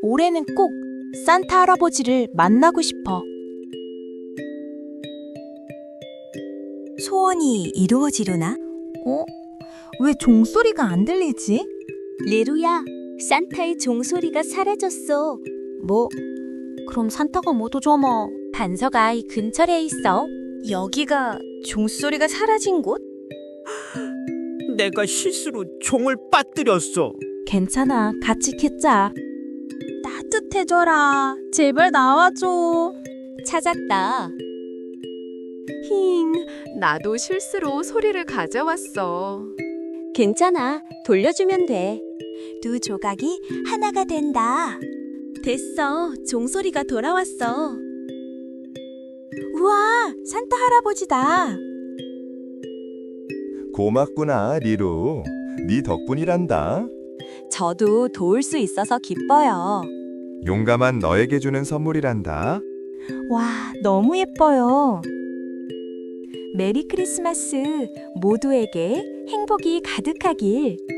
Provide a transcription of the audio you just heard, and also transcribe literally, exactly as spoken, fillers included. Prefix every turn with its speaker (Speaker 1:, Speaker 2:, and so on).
Speaker 1: 올해는 꼭 산타 할아버지를 만나고 싶어.
Speaker 2: 소원이 이루어지려나?
Speaker 1: 어? 왜 종소리가 안 들리지?
Speaker 3: 레루야, 산타의 종소리가 사라졌어.
Speaker 1: 뭐? 그럼 산타가 못 오잖아.
Speaker 3: 단서가 이 근처에 있어.
Speaker 2: 여기가 종소리가 사라진 곳?
Speaker 4: 내가 실수로 종을 빠뜨렸어.
Speaker 1: 괜찮아, 같이 캤자.
Speaker 2: 따뜻해져라. 제발 나와줘.
Speaker 3: 찾았다.
Speaker 5: 힝, 나도 실수로 소리를 가져왔어.
Speaker 3: 괜찮아. 돌려주면 돼.
Speaker 2: 두 조각이 하나가 된다.
Speaker 3: 됐어. 종소리가 돌아왔어.
Speaker 2: 우와, 산타 할아버지다.
Speaker 6: 고맙구나, 리루. 네 덕분이란다.
Speaker 2: 저도 도울 수 있어서 기뻐요.
Speaker 6: 용감한 너에게 주는 선물이란다.
Speaker 2: 와, 너무 예뻐요. 메리 크리스마스. 모두에게 행복이 가득하길.